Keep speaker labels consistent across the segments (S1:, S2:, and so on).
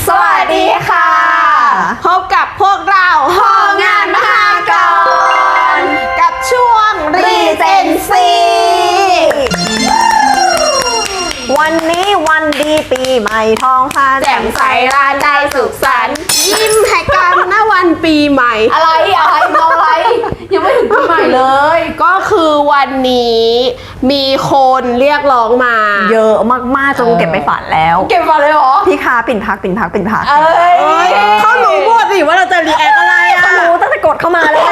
S1: สวัสดีค่ะพบกับพวกเราห้องงานมหากรกับช่วงรีเจนซี
S2: วันนี้วันดีปีใหม่ท้องฟ้า
S1: แจ่มใสร้านได้สุขสันต์ยิ้มให้กันนะวันปีใหม่
S3: อะไรมองอะไรยังไม่ถึงปีใหม่เลย
S1: ก็คือวันนี้มีคนเรียกร้องมา
S2: เยอะมากๆจนเก็บไปฝันแล้ว
S3: เก็บมาเลยเหรอ
S2: พี่ค้าปิ่นพัก
S3: เอ้ย
S1: เขารู้หมดสิว่าเราจะรีแอคอะไรอ่ะ
S2: เขารู้ตั้งแต่กดเข้ามาเลย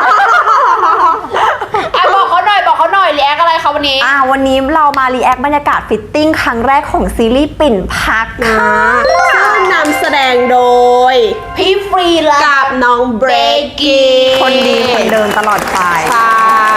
S3: บอกเขาหน่อยรีแอคอะไรคะวันนี้
S2: วันนี้เรามารีแอคบรรยากาศฟิตติ้งครั้งแรกของซีรีส์ปิ่นพักค่ะ
S1: ซึ่งนำแสดงโดย
S3: พี่ฟรีและ
S1: กับน้องเบรกกี้
S2: คนดีคนเดินตลอดไป
S1: ใช่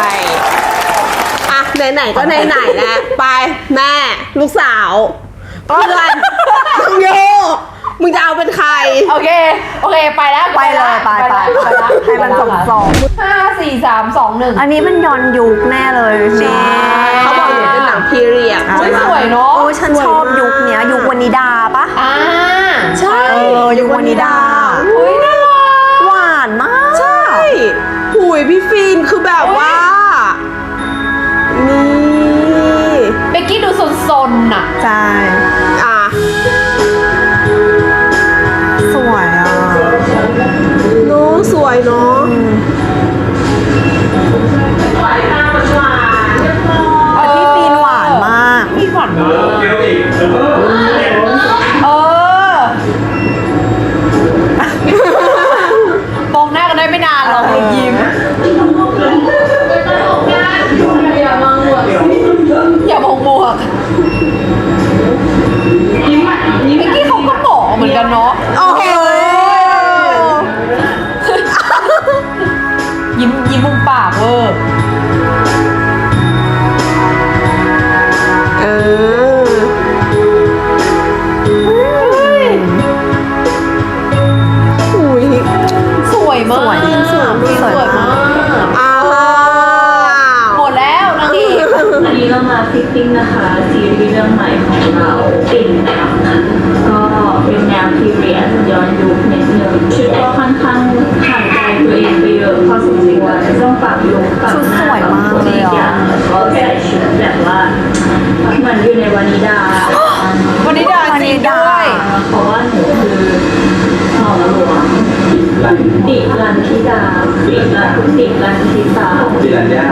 S1: ไหนๆก็ไหนๆแล้วไปแม่ลูกสาวเพื่อนน้องโยมึงจะเอาเป็นใคร
S3: โอเคไปแล้ว
S2: ไปเลยไปให้มันส่ง
S3: 5 4 3 2 1
S2: อันนี้มันย้อนยุคแน่เลยนี่
S1: เขาบอกอยู่เป็นหนังพีเรียด
S3: สวยเนาะ
S2: ฉันชอบยุคเนี้ยยุควนิดาปะ
S1: ใช่
S2: ยุควนิดา
S3: น่ารัก
S2: หวานมาก
S1: ใช่หุยพี่ฟินคือแบบว่านี่
S3: เบกกี้ดูซนๆน่ะ
S2: ใช่สวย
S1: น้องสวยเนาะ
S2: พี่ฟีนหวานมาก
S3: พี่หวานมากมองหน้ากันได้ไม่นานหรอกยิ้มอย่ามองบวกเมื่อกี้เขาก็บอกเหมือนกันเนาะ
S1: โอ้โห
S3: ยิ้มมุมปากหุยสวยมากสวยมากหมดแล้วนางเอก
S4: วันนี้เรามาฟิตติ้งนะคะซีรีส์เรื่องใหม่ของเราปิ่นพักก็เป็นแนวพีเรียดย้อนยุคนิดนึงชุดก็ค่อนข้างห่างไกลตัวเองไปเยอะพอสมควรต้องปรับลุคปรับหน้าปรับตัวอีกอย่างแล้วก็ใส่ชุดแบบว่าเหมือนอยู่ในวานิดา
S3: จริงด้วย
S4: เพราะว่าหนูคือหม่อมหลวงดิรันธิดาดิรันธิสาดิรันญา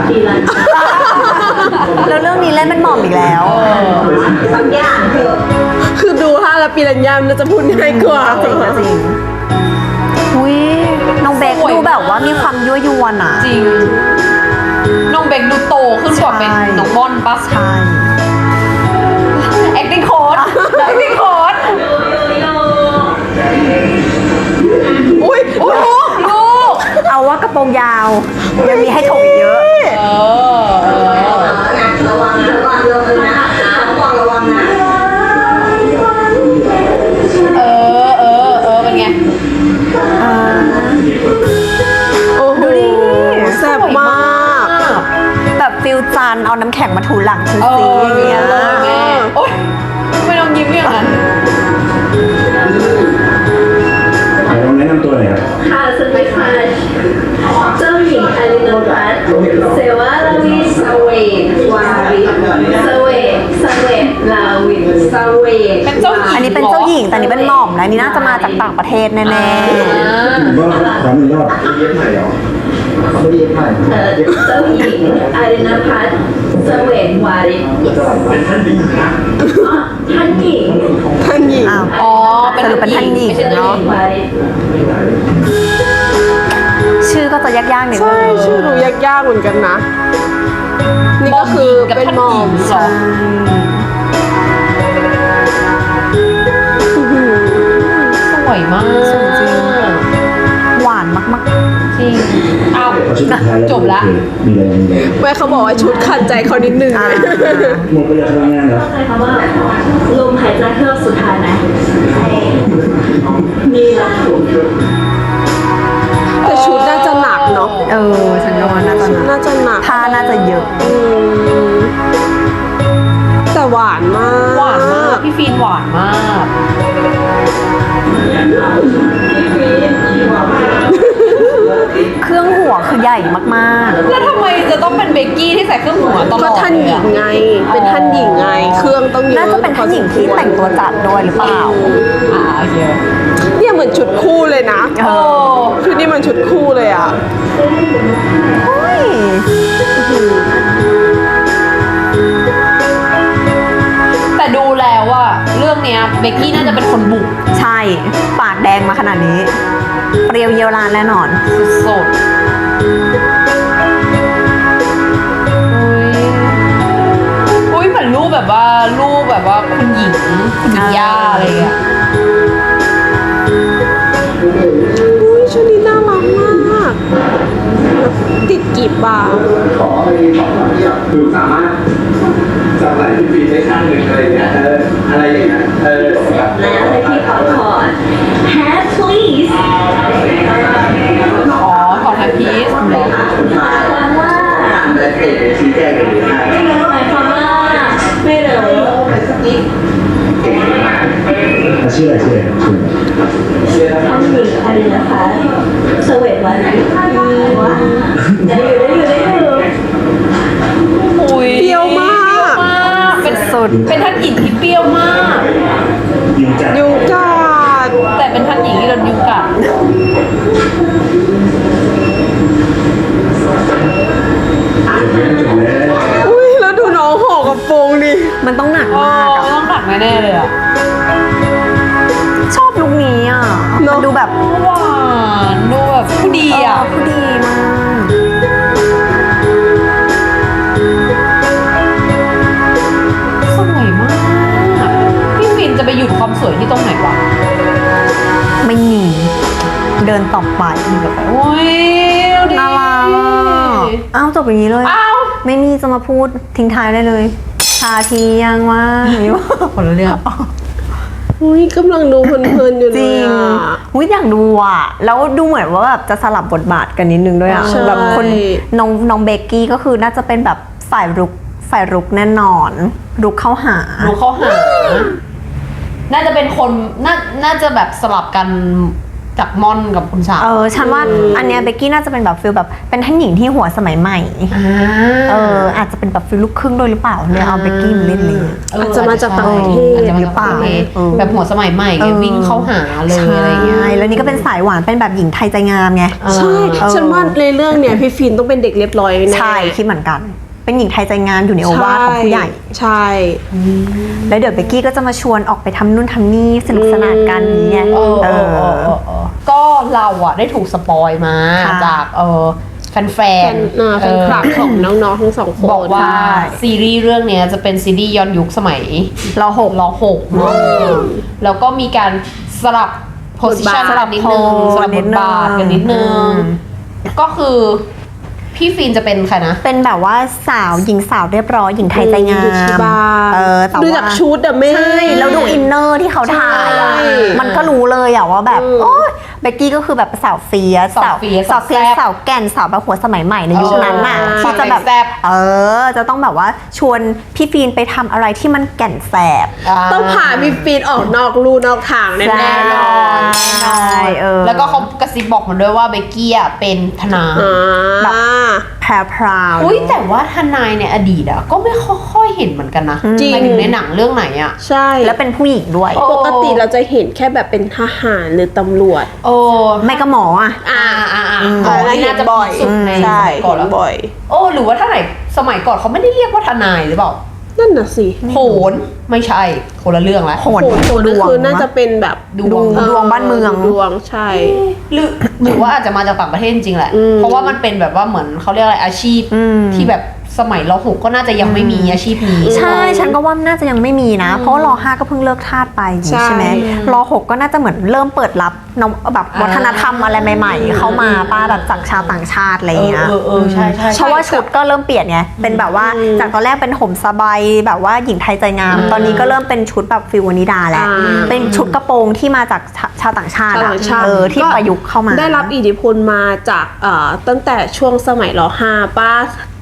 S2: แล้วเรื่องนี้เล่นเป็นหม่อมอีกแล้ว
S4: สักอย่างเถอะ
S1: คือดูท่าแล้วปีรัญญามน่าจะพูดง่ายกว่า
S2: จริงอุ้ยน้องเบคดูแบบว่ามีความยั่วยวนอ่ะ
S3: จริงน้องเบคดูโตขึ้นกว่าเป็นน้องบอนปะ
S2: ใช่
S3: acting coach
S1: อุ้ย
S3: ลูก
S2: เอาว่ากระโปรงยาวยังมีให้ถกอีกเยอะ
S4: ระวังนะระวังนะ
S3: เป็นไง
S1: โอ้โหแซ่บมาก
S2: แบบฟิลจันเอาน้ำแข็งมาถูหลังชุดสีอย่างเงี้ย
S3: แม่โอ๊ยไม่ต้องยิ้มอย่างนั้น
S5: ลองแนะนำตัวหน่อยครับ
S4: ค่ะสวัสดีค่ะเจ้าหญิงอลินรัตน์เสวาลาวิสเวตวาริสเวตลาวิสเวต
S3: เป็นเจ้าหญิง
S2: อันนี้เป็นเจ้าหญิงแต่อันนี้เป็นหม่อมและนี่น่าจะมาจากต่างประเทศแน่
S5: ๆก็ซ้ำอีกรอบเย็บใหม่เหรอ
S4: เจ้าหญิงอลินพัฒน์เสวตวาริ
S5: เป็นท่านหญิงนะ
S4: ท่านหญิง
S2: สรุปเป็นท่านหญิงเนาะชื่อก็จะยากๆหน่อย
S1: ใช่ชื่อดูยากๆเหมือนกันนะนี่ก็คือเป็นหม่อม
S3: สวยมาก
S2: จริงหวานมาก
S3: ๆจริงเอาจบละ
S1: แม่เขาบอกว่าชุดขัดใจเขานิดนึง
S5: หมดไปจากทำงานเหรอ
S4: เข้าใจคำว่าลมหายใจเฮือกสุดท้ายไหมมีแล้ว
S1: แต่ชุดน่าจะหนักเนาะ
S2: ฉันว่าน่า
S1: จะหนัก
S2: ผ้าน่าจะเยอะ
S1: แต่หวานมาก
S3: พี่ฟีนหวานมาก
S2: เครื่องหัวคือใหญ่มาก
S3: แล้วทำไมจะต้องเป็นเบกกี้ที่ใส่เครื่องหัวตล
S1: ก็
S3: อด
S1: ท่านหญิงไง เป็นท่านหญิงไง เครื่องต้องเย
S2: ๆ
S1: อะ
S2: น่าจะเป็นท่านหญิงที่แต่งตัวจัดด้วยหรือเปล่า
S3: โอเค
S1: เนี่ยเหมือนชุดคู่เลยนะ
S3: โอ้
S1: ชุดนี้มันชุดคู่เลยอ่ะ
S2: เฮ้ย
S3: แต่ดูแล้วอะเรื่องเนี้ยเบกกี้น่าจะเป็นคนบุก
S2: ใช่ ปากแดงมาขนาดนี้ เปรี้ยวเยียวรานแน่นอน
S3: สุดๆอุ้ยเหมือนรูปแบบว่าคุณหญิงย่าอะไรอย่างเงี้ย
S1: อุ้ยชุดนี้น่ารักมาก ติดกีบบ่า
S5: ขอให้ของคือสามารถจำไหลที่ฟีได้ข้างหนึ่งอะไรอย่างเงี้ยอะไรอย่างเงี้ยแบบ
S4: แล้วให้พี่ขอถอน hat please
S3: อ๋อของแฮปปี้เหรอ
S4: หมายความว่า
S5: และเอกชี้แจงอย่างนี้ค่ะ
S4: หมายความว่าไม่เลย
S5: ชื่ออะไร
S4: ท่านหญิงอะไรนะคะสวีทวันว่าได้อยู่
S3: อุ้ย
S1: เปรี้ยวมาก
S3: เป็น
S2: สุด
S3: เป็นท่านหญิงที่เปรี้ยวมาก
S5: ยิงจัด
S1: ยุงกัด
S3: แต่เป็นท่านหญิงที่โดนยุงกัด
S5: จบแล้ว
S1: อุ้ยแล้วดูน้องห่อกระโปรงดิ
S2: มันต้องหนัก
S3: โอ้
S2: มากอะ
S3: ต้องหนักแน่ๆเลยอะ
S2: ชอบลุคนี้อ่ะ มันดูแบบ
S3: หวานดูแบบผู้ดีอะ
S2: ผู้ดีมาก
S3: สวยมากพี่ฟินจะไปหยุดความสวยที่ตรงไหนวะ
S2: ไม่หนีเดินต่อไป
S3: โอ้ยดูดิ
S2: น่ารักอ่ะอ้าวจบอย่างนี้เลย
S3: อ้าว
S2: ไม่มีจะมาพูดทิ้งท้ายได้เลย ชาทียังว่าอย่างนี้วะ
S3: คนละเรื่อง
S1: อุ้ยกำลังดูเพลินๆอยู่
S2: จ
S1: เล
S2: ริ
S1: ย
S2: ง
S1: อ่ะ
S2: อุ้ยอยากดูอ่ะ แล้วดูเหมือนว่าแบบจะสลับบทบาทกันนิดนึงด้วยอ่ะ
S1: ใช่
S2: แบบคนน้องเบกกี้ก็คือน่าจะเป็นแบบฝ่ายรุกแน่นอน รุกเข้าหา
S3: รู้เขาหา น่าจะเป็นคนน่าจะแบบสลับกันจากม่อนกับคุณสาว
S2: ฉันว่าอันเนี้ยเบกกี้น่าจะเป็นแบบฟิลแบบเป็นท่านหญิงที่หัวสมัยใหม่ อาจจะเป็นแบบฟิลลูกครึ่งด้วยหรือเปล่าเลยเอาเบกกี้มาเล่นเลย
S1: อาจจะมาจากต่างประเทศ
S3: อาจจะมาจากต่างประเทศแบบหัวสมัยใหม่ไงวิ่งเข้าหาเลยอะไรอย่างเงี้ย
S2: ใช่แล้วนี่ก็เป็นสายหวานเป็นแบบหญิงไทยใจงามไง
S1: ใช่ ฉันว่าในเรื่องเนี่ยพี่ฟินต้องเป็นเด็กเรียบร้อยแน่
S2: ใช่คิดเหมือนกัน เป็นหญิงไทยใจงามอยู่ในโอวาทของผู้ใหญ่
S1: ใช่
S2: แล้วเดี๋ยวเบกกี้ก็จะมาชวนออกไปทำนู่นทำนี่สนุกสนานกันนี้ไง
S3: ก็เราอะได้ถูกสปอยมา
S2: ค่ะ
S3: จากแฟน
S1: แฟนคลับของน้องๆทั้งสองคน
S3: บอกว่า
S2: ใช่
S3: ซีรีส์เรื่องเนี้ยจะเป็นซีรีส์ย้อนยุคสมัย
S2: รอหก
S3: รอหกเนอะแล้วก็มีการสลับโพสิชัน
S2: สลับ
S3: นิดนึง
S2: โพส
S3: สลับบทบาทกันนิดนึง
S2: อืม
S3: ก็คือพี่ฟินจะเป็นใครนะ
S2: เป็นแบบว่าสาวหญิงสาวเรียบร้อยหญิงไทยใจงาม
S1: ดูชิบา
S2: แต่
S1: ดู
S2: ว่า
S1: จากชุดอะแม่
S2: ใช่แล้วดูอินเนอร์ที่เขาถ่ายอะ
S1: ใช่
S2: มันก็รู้เลยอะว่าแบบโอ้ยเบกกี้ก็คือแบบสาวเฟียส
S3: สาวเฟียส
S2: สาวสาวแก่นสาวแบบหัวสมัยใหม่ในยุคนั้นน่ะ
S3: ฟั
S2: ที่
S3: ง
S2: จะแบบ
S3: แซ่บ
S2: จะต้องแบบว่าชวนพี่ฟีนไปทำอะไรที่มันแก่นแสบ
S1: ต้องพาพี่ฟินออกนอกลู่นอกทางแน่
S2: ใช่
S1: ๆนอน
S2: ใช่
S3: แล้วก็เขากระซิบบอกมาด้วยว่าเบกกี้อะเป็นทนาย
S2: แบบ แพรพราว
S3: อุ้ยแต่ว่าทนายในอดีตอะก็ไม่ค่อยเห็นเหมือนกันนะ
S1: จริง
S3: หมายถึงในหนังเรื่องไหนอะ
S1: ใช่
S2: แล้วเป็นผู้หญิงด้วย
S3: โอ้
S1: ปกติเราจะเห็นแค่แบบเป็นทหารหรือตำรวจ
S3: โอ้
S2: ไม่ก็หมออ่ะ
S3: นี่น่าจะเป็นสุดในส
S1: ใช่
S3: มัยก่อนแล้ว
S1: บ่อย
S3: โอ้หรือว่าถ้าไหนสมัยก่อนเขาไม่ได้เรียกว่าทนายหรือเปล่า
S1: นั่นน่ะสิ
S3: โหนไม่ใช่คนละเรื่องแล้ว
S2: โหน
S1: โหดก็คือน่าจะเป็นแบบ
S3: ดวง
S2: ดวงบ้านเมือง
S1: ดวงใช่
S3: หรือว่าอาจจะมาจากต่างประเทศจริงๆแหละ
S1: อืม
S3: เพราะว่ามันเป็นแบบว่าเหมือนเขาเรียกอะไรอาชีพ ที่แบบสมัยรหกก็น่าจะยังไม่มีอาชีพนี้
S2: ใช่ฉันก็ว่าน่าจะยังไม่มีนะ เพราะว่ารอ5ก็เพิ่งเลิกทาสไปอย่างนี้ใช่ไหมรอ6ก็น่าจะเหมือนเริ่มเปิดรับน้องแบบวัฒนธรรมอะไรใหม่ๆ เข้ามาป้าแบบจากชาวต่างชาติอะไรอย่างเงี้ย
S3: ใช่ใช่
S2: เพราะว่าชุดก็เริ่มเปลี่ยนไงเป็นแบบว่าจากตอนแรกเป็นห่มสบายแบบว่าหญิงไทยใจงาม ตอนนี้ก็เริ่มเป็นชุดแบบฟิวนิดาแล้วเป็นชุดกระโปรงที่มาจากชาวต่างชาติ
S1: ชาว
S2: อะ
S1: ต่างชาติ
S2: ที่ประยุกต์เข้ามา
S1: ได้รับอิทธิพลมาจากตั้งแต่ช่วงสมัยร.5 ป้า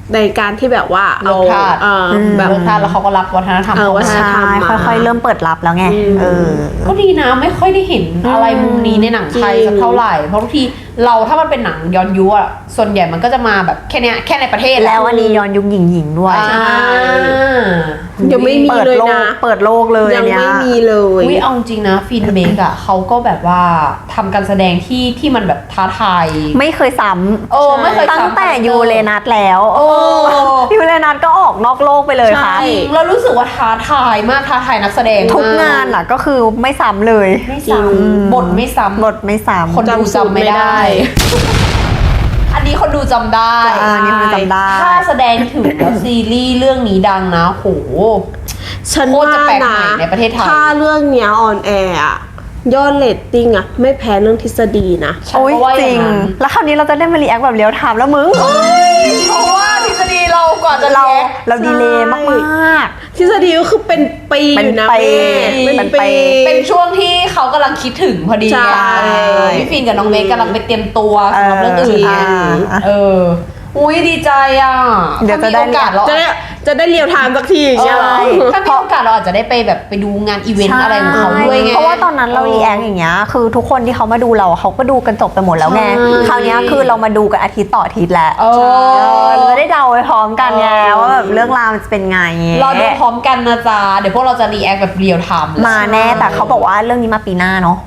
S1: ในการที่แบบว่าเอา
S3: เลิกทาส
S1: แบบ
S3: เลิกทาสแล้วเขาก็รับวัฒนธรรม
S1: วัฒนธรรม
S2: ใช่
S1: มา
S2: ค่อยๆเริ่มเปิดรับแล้วไง
S3: ก็ดีนะไม่ค่อยได้เห็นอะไรมุมนี้ในหนังไทยสักเท่าไหร่เพราะบางทีเราถ้ามันเป็นหนังย้อนยุคอะส่วนใหญ่มันก็จะมาแบบแค่เนี้ยแค่ในประเทศ
S2: แล้วอันนี้ย้อนยุคหญิงๆด้วย
S1: ยังไม่มี
S2: เปิด
S1: เลย
S2: โล
S1: นะ
S2: กเปิดโลกเลย
S1: ยัง
S2: เนี่ย
S1: ไม่มีเลย
S3: วิเอาจริงนะฟินเมกอะเขาก็แบบว่าทำการแสดงที่มันแบบท้าทาย
S2: ไม่เคยซ้
S3: ไม่เคย
S2: ำตั้งแต่ยูเรนัสแล้ว
S3: โอ้
S2: ยูเรนัสก็ออกนอกโลกไปเลยค่ะ
S3: จริงเรารู้สึกว่าท้าทายมากท้าทายนักแสดงม
S2: ทุกงานอ่ะก็คือไม่ซ้ำเลย
S3: ไม่ซ้ำบทไม่ซ้ำ
S2: บทไม่ซ้ำ
S3: คนดูจำไม่ได้ อันนี้คนดูจำได้
S2: อันนี้คนดูจำได้
S3: ถ้าแสดงถึงแล้วซีรีส์เรื่องนี้ดังนะโห
S1: ฉัน
S3: โคตร
S1: ว่า
S3: จะแปลกให
S1: นะ
S3: ม่ในประเทศไทย
S1: ถ้าเรื่องเนี้ยออนแอร์อะยอดเรตติ้งอะไม่แพ้เรื่องทฤษฎีนะ
S3: ฉัน
S2: โอ้ย
S3: ก็ว่า
S2: จ
S3: อ
S2: ริ
S3: ย่าง นั้น
S2: แล้วคราวนี้เราจะได้มารีแอคแบบเลี้ยวไทม์แล้วมึง
S3: เพราะว่าทฤษฎีเรากว่าจะ
S2: เรา
S3: เรียก
S2: เราดีเลย์มาก
S1: ทฤษฎีก็คือเป็นปีอยู่นะ
S2: เป็นปี
S1: แม่
S3: เป็นช่วงที่เขากำลังคิดถึงพอดี
S1: ใช่
S3: พี่ฟินกับน้องเมย์กำลังไปเตรียมตัวสำหรับเรื่องอื่นไง
S2: เออ
S3: อุ้ยดีใจอ่ะ
S2: เดี๋ยวจะ
S3: ถ้ามี
S2: ได้
S3: โอกาสเรา
S1: จะได้เรียวไทม์สักทีอย่างเงี้ยเหรอ
S3: ถ้ามีโอกาสเราอาจจะได้ไปแบบไปดูงานอีเวนต์อะไรของเขาด้วยไง
S2: เพราะว่าตอนนั้นเรารีแอคอย่างเงี้ยคือทุกคนที่เขามาดูเราเขาก็ดูกันจบไปหมดแล้วไง
S1: ใช่
S2: คราวเนี้ยคือเรามาดูกันอาทิตย์ต่ออาทิตย์แหละ
S3: เออ
S2: เราจะได้เดาไปพร้อมกันไงว่าแบบเรื่องราวมันจะเป็นไง
S3: รอดูพร้อมกันนะจ๊ะเดี๋ยวพวกเราจะรีแอคแบบเรียลไทม์
S2: มาแน่แต่เขาบอกว่าเรื่องนี้มาปีหน้าเนาะ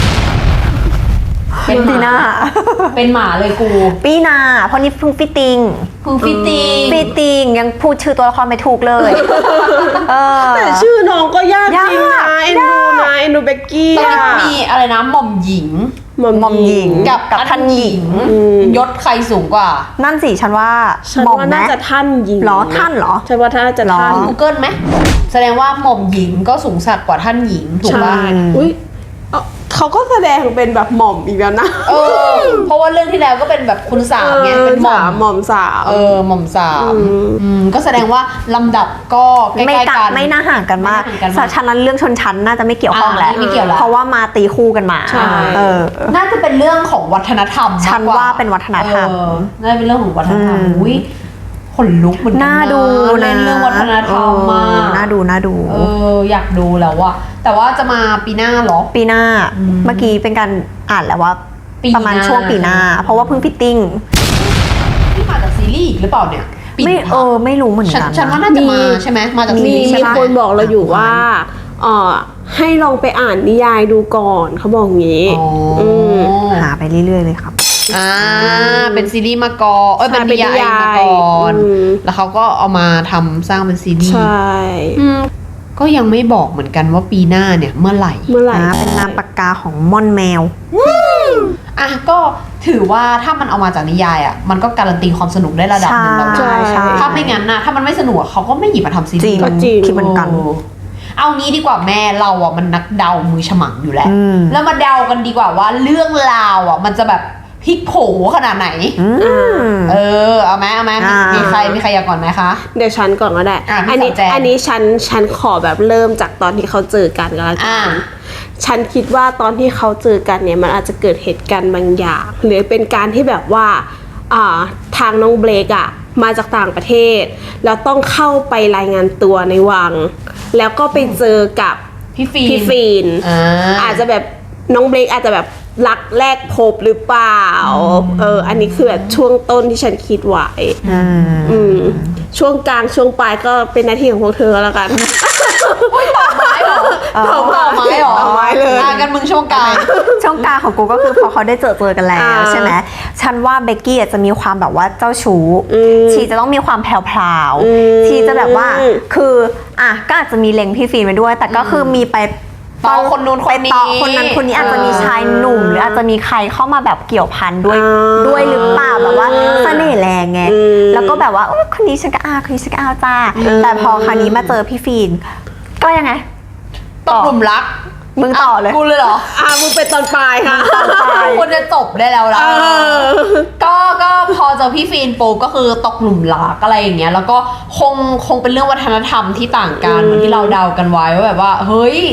S3: เป็น
S2: ปีหน้า
S3: เป็นหมาเลยกู
S2: ปีหน้าเพราะนี่เพิ่งฟิตติ้ง
S3: คือฟิตติ้ง
S2: ฟิตติ้งยังพูดชื่อตัวละครไม่ถูกเลยเออ
S1: แต่ชื่อน้องก็ยากจริงนะ
S2: ยาก
S1: เอ็นดูนะเอ็นดูเบกกี้
S3: ตอนนี้
S1: อะ
S3: มีอะไรนะหม่อมหญิง
S2: หม่อมหญิง
S3: กับ
S2: ท่านหญิง
S3: ยศใครสูงกว่า
S2: นั่นสิฉันว่า
S1: ฉัน
S2: หม่อม
S1: ว่า
S2: ไหม
S1: น่าจะท่านหญิง
S2: เหรอท่านเหรอ
S1: ฉันว่าท่านจะท่าน
S3: Google ไหมแสดงว่าหม่อมหญิงก็สูงสักกว่าท่านหญิงถูก
S1: ใช่
S3: ป่ะ
S1: อุ้ยเขาก็แสดงเป็นแบบหม่อมอีกแล้วนะ
S3: เพราะว่าเรื่องที่แล้วก็เป็นแบบคุณสามไงเป็นหม่อม
S1: หม่อมสาว
S3: หม่อมสาม
S1: อืม
S3: ก็แสดงว่าลำดับก็ใก
S2: ไม่
S3: ล้ๆกัน
S2: ไม่น่าห่างกันมาก
S3: ไม่น่าห่างกันมาก
S2: ฉะนั้นเรื่องชนชั้นน่าจะไม่เกี่ยวข้องแล้ว
S3: ไม่เกี่ยวแล้ว
S2: เพราะว่ามาตีคู่กันมา
S1: ใช่
S2: เออ
S3: น่าจะเป็นเรื่องของวัฒนธรรมมกก
S2: ฉันว่าเป็นวัฒนธรรม
S3: น่าจะเป็นเรื่องของวัฒนธรรม
S2: อืม
S3: อุ้ยขนลุกเหมือนกั
S2: น่าดู
S3: เล่
S2: นะ
S3: นเรื่องวัฒนธรรมมาก
S2: น่าดูน่าดู
S3: อยากดูแล้วอะแต่ว่าจะมาปีหน้าเหรอ
S2: ปีหน้าเมื่อกี้เป็นการอ่านแล้วว่า
S3: ปีหน้า
S2: ประมาณช่วงปีหน้า เพราะว่าเพิ่งฟิตติ้ง
S3: ที่มาจากซีรีส์อีกหรือเปล่าเนี่ยปี
S2: ไม่ไม่รู้เหมือน
S3: ฉัน
S2: กัน
S3: ฉันว่าน่าจะมาใช่ไหมมาจากซี
S1: มี
S3: รีส์ใช่
S1: มี
S3: ปะ
S1: คนบอกเราอยู่ว่าให้ลองไปอ่านนิยายดูก่อนเขาบอกงี้
S3: อ๋ออ
S1: ม
S2: หาไปเรื่อยๆเลยครับ
S3: เป็นซีรีส์มาก่อนเป็นนิยายมาก่อน
S1: อืม
S3: แล้วเขาก็เอามาทำสร้างเป็นซีรีส์
S1: ใช่
S3: ก็ยังไม่บอกเหมือนกันว่าปีหน้าเนี่ยเมื่อไหร่
S1: เมื่อไหร่
S2: เป็นนามปากกาของม่อนแมว
S3: ก็ถือว่าถ้ามันเอามาจากนิยายมันก็การันตีความสนุกได้ระดับหนึ่งแล้วนะ
S2: ใช่ใช่
S3: ถ้าไม่งั้นนะถ้ามันไม่สนุกเขาก็ไม่หยิบมาทำซี
S2: จริ
S3: รี
S2: ง
S3: ส์
S1: ก็จริง
S2: คิดเหมือนกัน
S3: เอางี้ดีกว่าแม่เรามันนักเดามือฉมังอยู่แล้ว
S2: อืม
S3: แล้วมาเดากันดีกว่าว่าเรื่องราวมันจะแบบพลิกโผขนาดไหน เอาไหมมีใครอยากก่อนไหมคะ
S1: เดี๋ยวฉันก่อนก็ได้
S3: พี่
S1: อันนี้
S3: สาวแจง
S1: อันนี้ฉันขอแบบเริ่มจากตอนที่เขาเจอกันก็แล้วกั
S3: อ่า
S1: นฉันคิดว่าตอนที่เขาเจอกันเนี่ยมันอาจจะเกิดเหตุการณ์บางอย่างหรือเป็นการที่แบบว่าทางน้องเบลกมาจากต่างประเทศแล้วต้องเข้าไปรายงานตัวในวัง แล้วก็ไปเจอกับ
S3: พี่ฟี
S1: พี่ฟีน
S3: อา
S1: จจะแบบน้องเบลกอาจจะแบบรักแรกพบหรือเปล่าอันนี้คือแบบช่วงต้นที่ฉันคิดไว้ช่วงกลางช่วงปลายก็เป็นหน้าที่ของพวกเธอแล้วกัน
S3: ต่อไม้เหรอ
S1: ต่อไม้เหรอต่อไม้เลย
S3: กันมึงช่วงกลาง
S2: ช่องกลางของกูก็คือพอเขาได้เจอกันแล้ว ใช่ไหมฉันว่าเบกกี้จะมีความแบบว่าเจ้าชู้ชีจะต้องมีความแพรวๆชีจะแบบว่าคือก็อาจจะมีเล็งพี่ฟีนไปด้วย แต่ก็คือมีไป
S3: ต่อคนนู้นคนนี้
S2: ไปต่อคนนั้นคนนี้อาจจะมีชายหนุ่มหรืออาจจะมีใครเข้ามาแบบเกี่ยวพันด้วยหรือเปล่าแบบว่าเสน่ห์แรงไงแล้วก็แบบว่าคนนี้ฉันก็คนนี้ฉันก็จ้าแต่พอคราวนี้มาเจอพี่ฟีนก็ยังไง
S3: ตกหลุมรัก
S2: มึงต่อเลย
S3: กูเลยเหรอ
S1: มึงเป็นตอนปลายค่ะ
S3: ควรจะจบได้แล้วล่ะก็พอเจอพี่ฟีนปุ๊บก็คือตกหลุมรักอะไรอย่างเงี้ยแล้วก็คงเป็นเรื่องวัฒนธรรมที่ต่างกันเหมือนที่เราเดากันไว้ว่าแบบว่าเฮ้ย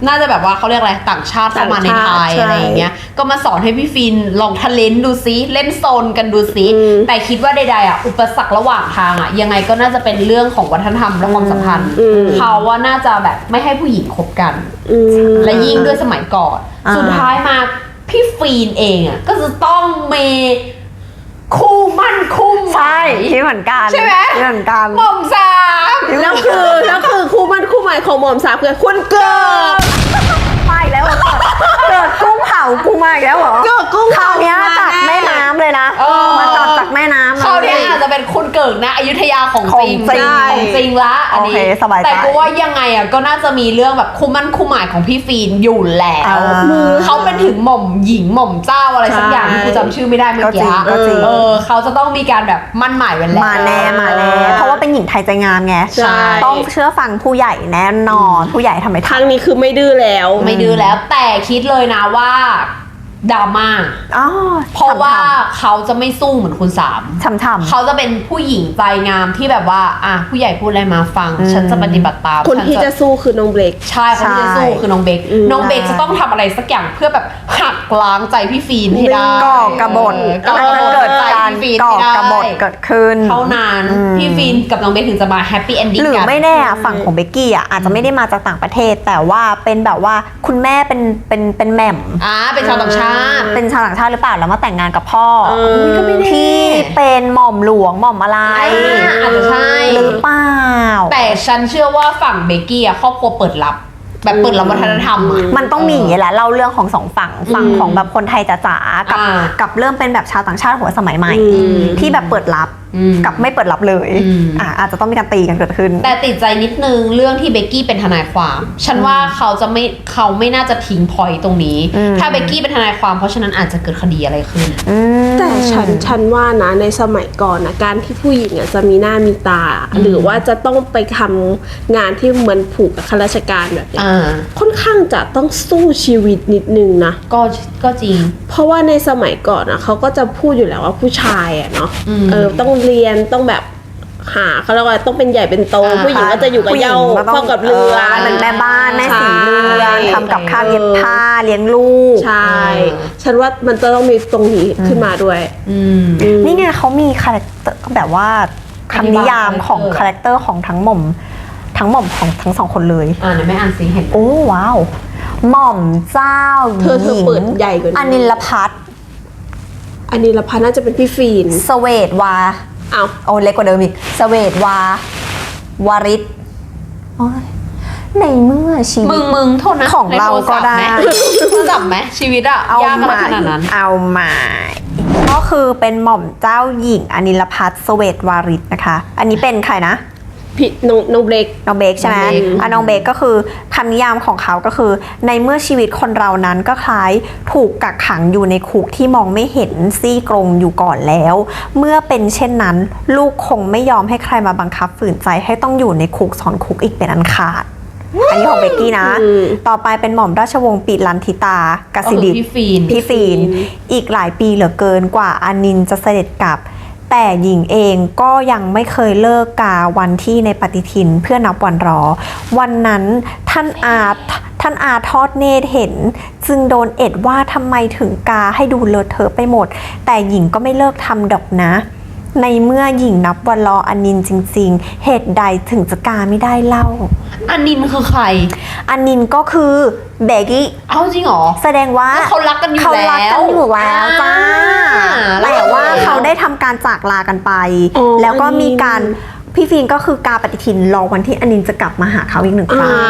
S3: น่าจะแบบว่าเขาเรียกอะไรต่างชาติเข้ามาในไทย
S1: ต่างชาติ
S3: อะไรอย่างเงี้ยก็มาสอนให้พี่ฟินลองทะเลนดูซิเล่นโซนกันดูซิแต่คิดว่าใดๆอ่ะอุปสรรคระหว่างทางอ่ะยังไงก็น่าจะเป็นเรื่องของวัฒนธรรมและความสัมพันธ์เขาว่าน่าจะแบบไม่ให้ผู้หญิงคบกัน และยิ่งด้วยสมัยก่อน สุดท้ายมาพี่ฟีนเองอ่ะก็จะต้องมีคู่มั่นคู่หมาย
S2: ใช่ที่เหมือนกัน
S3: ใช่ไหม
S2: ที่เหมือนกัน
S3: หม่อมสาม
S1: แล้วคือคู่มั่นคู่หมายของหม่อมสามคือคุณเกิด
S2: ไปแล้วเหรอเกิดกุ้งเผากูมาอีกแล้วเหรอ
S1: เกิดกุ้ง
S2: คราวเนี้ย
S1: เผามา
S2: จากแม่น้ำเลยนะมาจากแม่น้ำ
S3: เขาเนี่ยอาจจะเป็นคุณเกิดนะอยุธยาของจริง
S2: ของจริง
S3: ของจริงละอันนี้
S2: โอเคสบายใจ
S3: แต่กูว่ายังไงอ่ะก็น่าจะมีเรื่องแบบคู่มั่นคู่หมายของพี่ฟีนอยู่แล้ว เขาเป็นถึงหม่อมหญิงหม่อมเจ้าอะไรสักอย่างที่กูจำชื่อไม่ได้เมื่อกี้
S2: ก็จริง
S3: เขาจะต้องมีการแบบมั่นหมายไว้แล้ว
S2: มาแน่เพราะว่าเป็นหญิงไทยใจงามไง
S3: ใช่
S2: ต้องเชื่อฟังผู้ใหญ่แน่นอนผู้ใหญ่ทำไม
S1: ครั้งนี้คือไม่ดื้อแล้ว
S3: ไม่ดื้อแล้วแต่คิดเลยนะว่าดราม่า
S2: อ๋อ
S3: เพราะว่าเขาจะไม่สู้เหมือนคุณสาม
S2: ช่ำ
S3: เขาจะเป็นผู้หญิงใจงามที่แบบว่าผู้ใหญ่พูดอะไรมาฟัง ฉันจะปฏิบัติตาม
S1: คนที่จะสู้คือน้องเบลก
S3: ใช่คนที่จะสู้คือน้องเบคน้องเบคจะต้องทำอะไรสักอย่างเพื่อแบบหักล้างใจพี่ฟีนให้ได้
S2: ก่อกบฏ
S3: ก่อกบฏ
S2: เกิด
S3: ใจ
S2: การ
S3: พี่ฟีน
S2: ก่อ
S3: ให้ได้
S2: กบฏเกิดขึ้น
S3: เท่านั้นพี่ฟีนกับน้องเบคถึงจะมาแฮปปี้เอนดิ้ง
S2: หรือ
S3: กัน
S2: ไม่แน่อะฝั่งของเบกกี้อ่ะอาจจะไม่ได้มาจากต่างประเทศ แต่ว่าเป็นแบบว่าคุณแม่เป็นแหม่ม
S3: เป็นชาวต่างชาติ
S2: เป็นชาวต่างชาติหรือเปล่าแล้วมาแต่งงานกับพ่อ
S3: ก็ไม่แน่
S2: ที่เป็นหม่อมหลวงหม่อมอะไร
S3: อาจจะใช่
S2: หรือเปล่า
S3: แต่ฉันเชื่อว่าฝั่งเบกกี้อะครอบครัวเปิดรับ แบบเปิดรับวัฒนธรรมอะ
S2: มันต้องมีอย่างนี้แหละเล่าเรื่องของสองฝั่งของแบบคนไทยจ๋าๆกับ กับเรื่องเป็นแบบชาวต่างชาติหัวสมัยใหม่ ที่แบบเปิดรับกับไม่เปิดรับเลยอาจจะต้องมีการตีกันเกิดขึ้น
S3: แต่ติดใจนิดนึงเรื่องที่เบกกี้เป็นทนายความ ฉันว่าเขาไม่น่าจะทิ้งพอยต์ตรงนี้ ถ้าเบกกี้เป็นทนายความเพราะฉะนั้นอาจจะเกิดคดีอะไรขึ้น
S1: แต่ฉันว่านะในสมัยก่อนนะการที่ผู้หญิงอ่ะจะมีหน้ามีตา หรือว่าจะต้องไปทำงานที่เหมือนผูกกับข้าราชการแบบเนี้ยค่อนข้างจะต้องสู้ชีวิตนิดนึงนะ
S3: ก็จริง
S1: เพราะว่าในสมัยก่อนนะเขาก็จะพูดอยู่แล้วว่าผู้ชายอ่ะเนาะต้องเรียนต้องแบบหาเขาเรียกว่าต้องเป็นใหญ่เป็นโตผู้หญิงก็จะอยู่กับเหย้าเฝ้ากับเรือ
S2: เป็นแม่บ้านแม่สีเรือน
S1: ใช่
S2: ทำกับข้าวเย็บผ้าเลี้ยงลูก
S1: ใช่ ฉันว่ามันจะต้องมีตรงนี้ขึ้นมาด้วย
S2: นี่ไงเขามีคาแรคเตอร์แบบว่าคำนิยามของคาแรคเตอร์ของทั้งหม่อมของทั้งสองคนเลย
S3: เดี๋ยวไม่อ่านสิเห็น
S2: โอ้ว้าว หม่อมเจ้าห
S1: เธอ
S2: ญิง
S1: เปิดใหญ่กว่านี้
S2: อนิลพัฒน์
S1: อันนี้ละพันน่าจะเป็นพี่ฟีน
S2: เสเวตวา
S1: อ้าว
S2: โอ้เล็กกว่าเดิมอีกเสเวตวาริศโอ้ยในเมื่อชีวิต
S3: มึงโทษนะ
S2: ของเราก็ได้
S3: โทรศัพท์ไหมชีวิตอะ
S2: เอา
S3: ยาก
S2: มา
S3: ขนาดนั้น
S2: เอามาก็คือเป็นหม่อมเจ้าหญิงอนิลพัฒน์เสเวตวาริศนะคะ อันนี้เป็นใครนะ
S1: พี่น้องเบลก
S2: น้องเบคใช่ไหม
S3: น้องเบค
S2: น้องเบคก็คือคำนิยามของเขาก็คือ ในเมื่อชีวิตคนเรานั้นก็คล้ายถูกกักขังอยู่ในคุกที่มองไม่เห็นซี่กรงอยู่ก่อนแล้ว เมื่อเป็นเช่นนั้น ลูกคงไม่ยอมให้ใครมาบังคับฝืนใจให้ต้องอยู่ในคุกสอนคุกอีกเป็นอันขาด อันนี้ของเบกกี้นะ ต่อไปเป็นหม่อมราชวงศ์ปิลันธิตากสิดิษฐ์
S3: พี่ฟีน
S2: อีกหลายปีเหลือเกินกว่าอานินจะเสด็จกลับ แต่หญิงเองก็ยังไม่เคยเลิกกาวันที่ในปฏิทินเพื่อนับวันรอ วันนั้นท่านอาทอดเนตรเห็น จึงโดนเอ็ดว่าทำไมถึงกาให้ดูเลอะเทอะไปหมด แต่หญิงก็ไม่เลิกทำดอกนะ ในเมื่อหญิงนับวันรออานินจริงๆ เหตุใดถึงจะกาไม่ได้เล่า
S3: อันนินคือใคร
S2: อานินก็คือเบกกี้
S3: เอาจริงเหรอ
S2: แสดงว่า
S3: เขารักกันอยู่
S2: เขารักกันอยู่แล้ว
S3: แล้ว
S2: จ้า
S3: แล้ว
S2: แต่ว่าเขาได้ทำการจากลากันไป
S1: อ๋อ
S2: แล้วก็มี
S1: อานิน
S2: การพี่ฟินก็คือกาปฏิทินรอวันที่อานินจะกลับมาหาเขาอีกหนึ่งครั้ง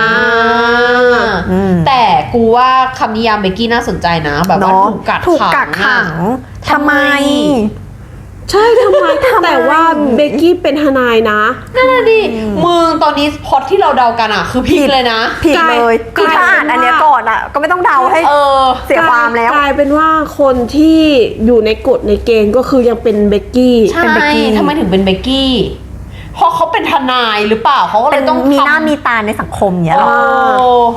S3: แต่กูว่าคำนิยามเบกกี้น่าสนใจนะ แบบว่า
S2: เนาะ
S3: ถูกกักขัง
S2: ทำไม
S1: ใช่ทำไม แต่ว่าเบกกี้เป็นทนายนะ
S3: นั่นน่ะดิมึงตอนนี้พล็อตที่เราเดากันอะคือพลิกเลยนะ
S2: ผิดเลย
S1: กลาย
S2: คือถ้าอ่านอันเนี้ยก่อนอ่ะ ก็ไม่ต้องเดาให้เสียความแล้ว
S1: กลายเป็นว่าคนที่อยู่ในกฎในเกณฑ์ก็คือยังเป็นเบกกี้
S3: ใช่
S2: เป็นเบกกี้
S3: ทำไมถึงเป็นเบกกี้ เพราะเขาเป็นทนายหรือเปล่าเขาก็เล
S2: เป็
S3: ย
S2: น
S3: ต้อง
S2: มี
S3: ทำ
S2: หน้ามีตาในสังคมเนี้ยหรอ
S3: โอ้
S2: ไม่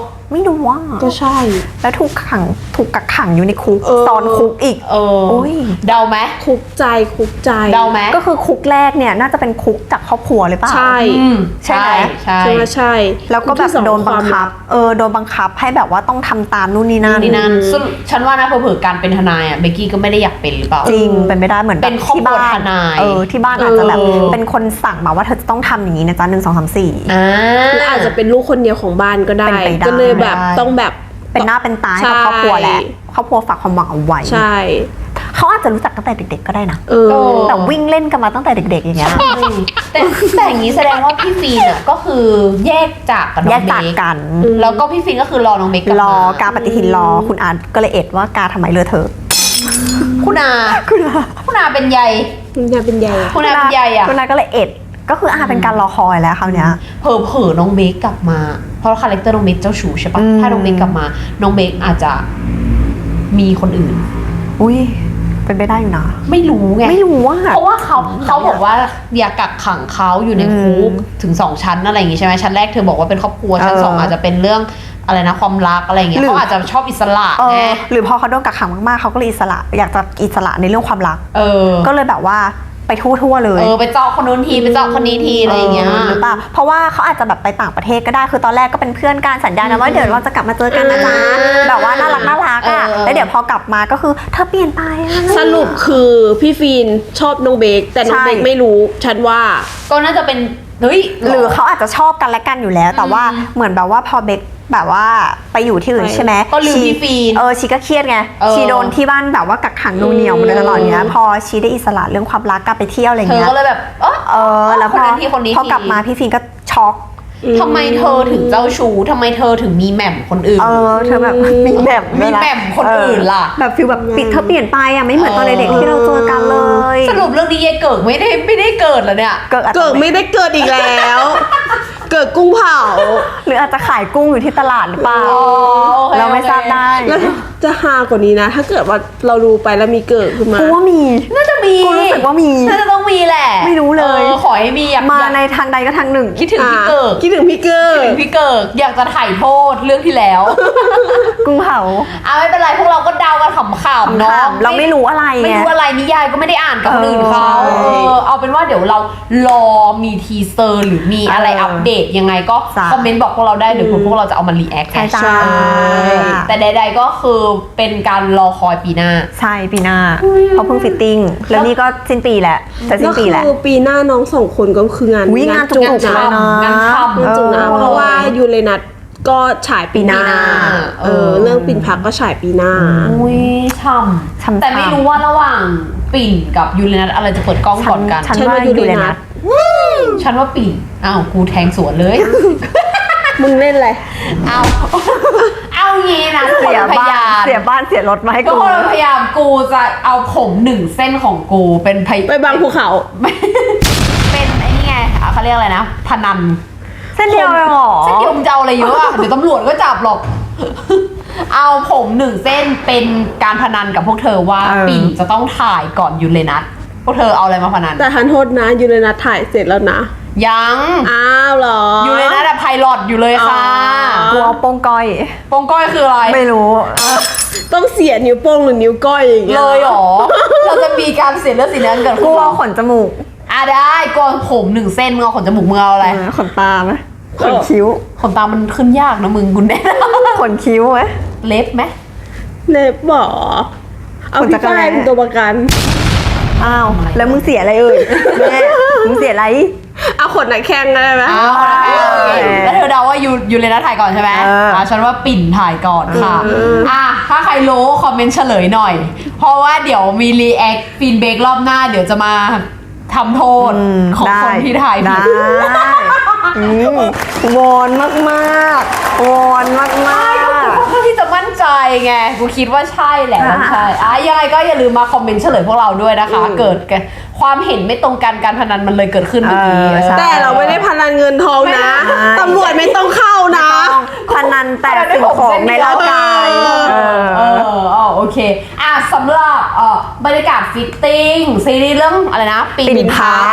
S2: รู้ว่า
S1: ก็ใช่
S2: แล้วถูกกักขังอยู่ในคุก ตอนคุกอีก
S3: เออ
S2: โอ้ย
S3: เดาไหม
S1: คุกใจคุกใจ
S3: เดาไหม
S2: ก็คือคุกแรกเนี่ยน่าจะเป็นคุกจากครอบครัวหรือเปล่า
S1: ใช่
S3: อืม
S2: ใช่ไหม
S3: ใช่
S1: ใช่ไหมใช่
S2: แล้วก็แบบ
S1: ที่สอง
S2: โดนบังคับ โดนบังคับให้แบบว่าต้องทำตามนู่นนี่นั่น
S3: นี่นั่นซึ่งฉันว่านะเผื่อๆการเป็นทนายอ่ะเบกกี้ก็ไม่ได้อยากเป็นหรือเปล่า
S2: จริงเป็นไม่ได้เหมือนแบบ
S3: เป็นครอบครัว
S2: ที่บ้าน
S3: ทนาย
S2: ที่บ้านอาจจะแบบ
S3: เออ
S2: เป็นคนสั่งมาว่าเธอจะต้องทำอย่างนี้นะจ๊ะ1 2 3 4
S3: อ่า
S1: หรืออาจจะเป็นลูกคนเดียวของบ้านก็ได้
S2: เป็นไปได้
S1: ก็เลยแบบต้องแบบ
S2: เป็นหน้าเป็นตาให้กับ
S1: ใช่
S2: ครอบครัวแหละครอบครัวฝากความหวังเอาไว้
S1: ใช่
S2: เขาอาจจะรู้จักตั้งแต่เด็ก ๆ ก็ได้นะ
S1: เออ
S2: แต่วิ่งเล่นกันมาตั้งแต่เด็ก ๆ อย่างเงี้ย
S3: แต่อย่างนี้แสดงว่าพี่ฟีนอ่ะก็คือแยกจากกับน้
S2: แย
S3: อง
S2: ก
S3: เบ
S2: จาก
S3: ค
S2: กัน
S3: แล้วก็พี่ฟีนก็คือรอน้องเบคกลับ
S2: ร
S3: มา
S2: อกาปฏิทินรอคุณอาร์ตก็เลยเอ็ดว่ากาทำไมเลอะเทอะ
S3: คุณอาเป็นใย
S1: คุณยายเป็นใหญ่อะ
S3: คุณอาเป็นใยอ่ะ
S2: คุณอาร์ตก็เลยเอ็ดก็คือเป็นการรอคอยแล้วคราวเนี้ย
S3: เผลอๆน้องเบคกลับมา เพราะคาแรคเตอร์น้องเบคเจ้าชู้ใช่ปะ
S2: อืม
S3: ถ้าน้องเบคกลับมา น้องเบคอาจจะมีคนอื่น
S2: อุ้ยเป็นไปได้อยู่นะ
S3: ไม่รู้ไง
S2: ไม่รู้ว่า
S3: เพราะว่าเขาบอกว่าอย่ากักขังเขาอยู่ในคุกถึง2 ชั้นอะไรอย่างงี้ใช่ไหมชั้นแรกเธอบอกว่าเป็นครอบครัวชั้น 2อาจจะเป็นเรื่องอะไรนะความรักอะไรอย่างเงี้ย
S2: หรือ
S3: เขาอาจจะชอบอิสระ
S2: เอ
S3: ไง
S2: อหรือพอเขาโดนกักขังมากๆเขาก็เลยอิสระอยากจะอิสระในเรื่องความรัก
S3: เออ
S2: ก็เลยแบบว่าไปทั่วๆเลย
S3: ไปเจาะคนนู้นทีไปเจาะคนนี้ทีอะไรอย่างเงี้ย
S2: หรือเปล่าเพราะว่าเขาอาจจะแบบไปต่างประเทศก็ได้คือตอนแรกก็เป็นเพื่อนกันสัญญานะว่าเดี๋ยวเราจะกลับมาเจอกันนะจ๊ะแบบว่าน่ารักอ่ะแล้วเดี๋ยวพอกลับมาก็คือเธอเปลี่ยนไปอะ
S1: สรุปคือพี่ฟีนชอบน้องเบคแต่น้องเบค
S2: ใช่
S1: ไม่รู้ฉันว่า
S3: ก็น่าจะเป็นเฮ้ย
S2: หรือเขาอาจจะชอบกันและกันอยู่แล้ว แต่ว่าเหมือนแบบว่าพอเบคแบบว่าไปอยู่ที่อื่น
S1: ไป
S2: ใช่ไหม
S3: ก็ลืมพี่ฟีน
S2: ชีก็เครียดไง
S3: เออ
S2: ชีโดนที่บ้านแบบว่ากักขังนูเหนียวมาโดยตลอดเนี้ยพอชีได้อิสระเรื่องความรักกลับไปเที่ยวอะไร
S3: เธอ
S2: เงี้ย
S3: ก็เลยแบบ
S2: แล้ว
S3: คนนั้นทีคนนี้
S2: พอกลับมาพี่ฟินก็ช็อก
S3: ทำไมเธอถึงเจ้าชู้ทำไมเธอถึงมีแหม่มคนอื่น
S2: เธอแบบมีแบบ
S3: มีแหม่มคนอื่นล่ะ
S2: แบบฟิลแบบปิดเธอเปลี่ยนไปอ่ะไม่เหมือนตอนเด็กๆที่เราเจอกันเลย
S3: สรุปเรื่องนี้ยายเกิดไม่ได้เกิดแล้วเนี่ย
S2: เกิดอาจจะ
S1: เกิดไม่ได้เกิดอีกแล้ว เกิดกุ้งเผา
S2: หรืออาจจะขายกุ้งอยู่ที่ตลาดหรือเปล่า
S3: อ๋อโอเค
S2: เราไม่ทราบได้
S1: แล้วจะฮากว่านี้นะ ถ้าเกิดว่าเราดูไปแล้วมีเกิดขึ้นมา
S2: กูว่ามี
S3: น่าจะมี
S2: กูรู้สึกว่ามี
S3: น่าจะต้องมีแหละ
S2: ไม่รู้เลย
S3: ขอให้มีอยาก
S2: มาในทางใดก็ทางหนึ่ง
S3: คิดถึงพี่เกิด
S1: คิดถึงพี่เกิด
S3: คิดถึงพี่เกิดอยากจะถ่ายโทษเรื่องที่แล้ว
S2: กุ้งเผา
S3: ไม่เป็นไรพวกเราก็เดากันขำๆเนาะ
S2: เราไม่รู้อะไร
S3: ไม่
S2: ไง
S3: รู้อะไรนิยายก็ไม่ได้อ่านกับคนอื่นเขา
S2: ใช่
S3: เอาเป็นว่าเดี๋ยวเรารอมีทีเซอร์หรือมีอะไรอัปเดตยังไงก็
S2: จ้ะ
S3: คอมเมนต์บอกพวกเราได้เดี๋ยวพวกเราจะเอามารีแอค
S2: ใช่จ้า
S3: แต่ใดๆก็คือเป็นการรอคอยปีหน้า
S2: ใช่ปีหน้าเพราะเพิ่งฟิตติ้งแล้วนี่ก็สิ้นปีแหละจะสิ้นปีแหละ
S1: คือปีหน้าน้องสองคนก็คืองาน
S2: อุ๊ยงานจุกๆ
S1: นะ
S2: เลยนะ
S3: งานฉ่ำ
S1: งานจุกนะ
S2: เออ
S1: เพราะว่ายูเรนัสก็ฉายปีหน้า
S2: ปีหน้า
S1: เรื่องปิ่นพักก็ฉายปีหน้า
S3: อุ้ยฉ่
S2: ฉ่ำ
S3: ำแต่ไม่รู้ว่าระหว่างปิ่นกับยูเรนัสอะไรจะเปิดกล้องก่อนกัน
S2: ฉัน
S1: ฉัน
S2: ว่า
S1: ว่า
S2: ยู
S1: ยู
S2: เร
S1: เรนั
S2: นัส
S1: ส
S3: ฉันว่าปิ่นกูแทงสวนเลย
S1: มึงเล่นอะไร
S3: เอางี้นะทุกคน
S2: เสีย
S3: พ
S2: บ้าย
S3: าน ยาม
S2: เสียบ้านเสียรถมาให้
S3: ทุก
S2: กู
S3: คนพยายามกูจะเอาผม1 เส้นของกูเป็น
S1: ไปบางภูเขา
S3: เป็นไอ้นี่ไงเขาเรียกอะไรนะพนัน
S2: เส้นเดียวเลยเหรอ
S3: เส้นเดียวมึงจะเอาอะไรเยอะอะเดี๋ยวตำรวจก็จับหรอก เอาผม1 เส้นเป็นการพนันกับพวกเธอว่า ปิ่นจะต้องถ่ายก่อนยูเรนัสพวกเธอเอาอะไรมาพนัน
S1: แต่ทันโทษนะยูเรนัสถ่ายเสร็จแล้วนะ
S3: ยัง
S1: อ้าวเหรอ
S3: ยูเรนัสอะไพลอตอยู่เลยค่ะ
S2: กูเอาโป้งก้อย
S3: โปงก้อยคืออะไร
S2: ไม่รู้
S1: ต้องเสียนิ้วโป้งหรือนิ้วก้อยอย่างเงี้ย
S3: เลยเหรอ เราจะมีการเสียเลือดสีน้ำเกิด
S2: กู
S3: ขึ้นเหร
S2: เอา
S3: อ
S2: ขนจมูก
S3: ได้กูเอาผม1 เส้นมึงเอาขนจมูกมึงเอาอะไร
S2: ขนตาไหมขนคิ้ว
S3: ขนตามันขึ้นยากนะมึงคุณแน่
S2: ขนคิ้วไหม
S3: เล็บไหม
S1: เล็บบ่อเอา
S2: ขนจั
S1: พี่
S2: กรแร้
S1: ฝ้ายเป็นตัวประกัน
S2: อ้าวแล้วมึงเสียอะไรเอ่ยแม่มึงเสียอะไร
S1: เอาขนหนักแข้งได้ไหม
S3: แล้วเธอเดาว่ายูเรนัสถ่ายก่อนใช่ไหม ฉันว่าปิ่นถ่ายก่อนค่ะถ้าใครรู้คอมเมนต์เฉลยหน่อย เพราะว่าเดี๋ยวมีรีแอคฟีนเบกรอบหน้าเดี๋ยวจะมาทำโทษของคนที่ถ่ายผิด
S2: ได้วอนมากๆวอนมาก
S3: เพื่อที่จะมั่นใจไง กูคิดว่าใช่แหละว่าใช่ยังไงก็อย่าลืมมาคอมเมนต์เฉลยพวกเราด้วยนะคะ เกิดความเห็นไม่ตรงกันการพนันมันเลยเกิดขึ้นเมื่อกี้
S1: แต่เราไม่ได้พนันเงินทองนะ ตำรวจไม่ต้องเข้านะ
S2: ๆพนันแต่สิ่งของในร่างกาย
S3: โอเคสำหรับบรรยากาศฟิตติ้งซีรีส์เรื่องอะไรนะปิ่นพัก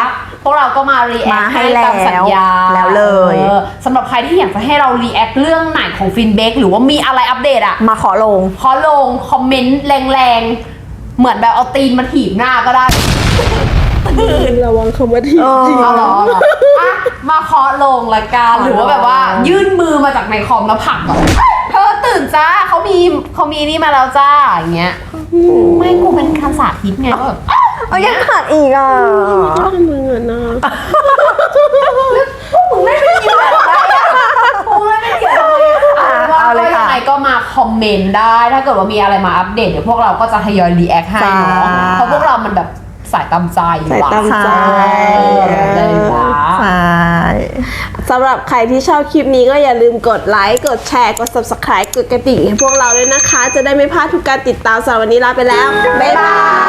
S3: พวกเราก็มารีแอค
S2: มาให้
S3: ให้ตามสัญญา
S2: แล้วเลย
S3: สำหรับใครที่อยากจะให้เรารีแอคเรื่องไหนของฟินเบกหรือว่ามีอะไรอัปเดตอ่ะ
S2: มาขอลง
S3: ขอลงคอมเมนต์แรงๆ เหมือนแบบเอาตีนมาถีบหน้าก็ได้
S1: ระวังคำว่าที จริง
S3: เอาเหรออ่ะมาเคาะลงละกันหรือว่าแบบว่ายื่นมือมาจากในคอมแล้วผลักแบบเธอตื่นจ้าเขามีนี่มาแล้วจ้าอย่างเงี้ยไม่กูเป็นการสาธิตไงว่าแบบ
S2: เอายังขาดอีกอ่ะ
S1: ถ้ามึงอะนะ
S3: มึงไม่ได้ยินอะไรอ่ะมึงไม่ได้ยินอะไรว่า
S2: เอาเลย
S3: ยั
S2: ค่ะ
S3: งไงก็มาคอมเมนต์ได้ถ้าเกิดว่ามีอะไรมาอัปเดตเดี๋ยวพวกเราก็จะทยอยรีแอคให้เนาะ
S2: จ้า
S3: เพราะพวกเรามันแบบสายตามใจอยู่
S1: สายตาม
S2: ใช่
S3: เลยว่ะ
S2: ใช่
S1: สำหรับใครที่ชอบคลิปนี้ก็อย่าลืมกดไลค์ กดแชร์ กด subscribe กดกระดิ่งให้พวกเราด้วยนะคะ จะได้ไม่พลาดทุกการติดตามสำหรับวันนี้ลาไปแล้ว บ๊ายบาย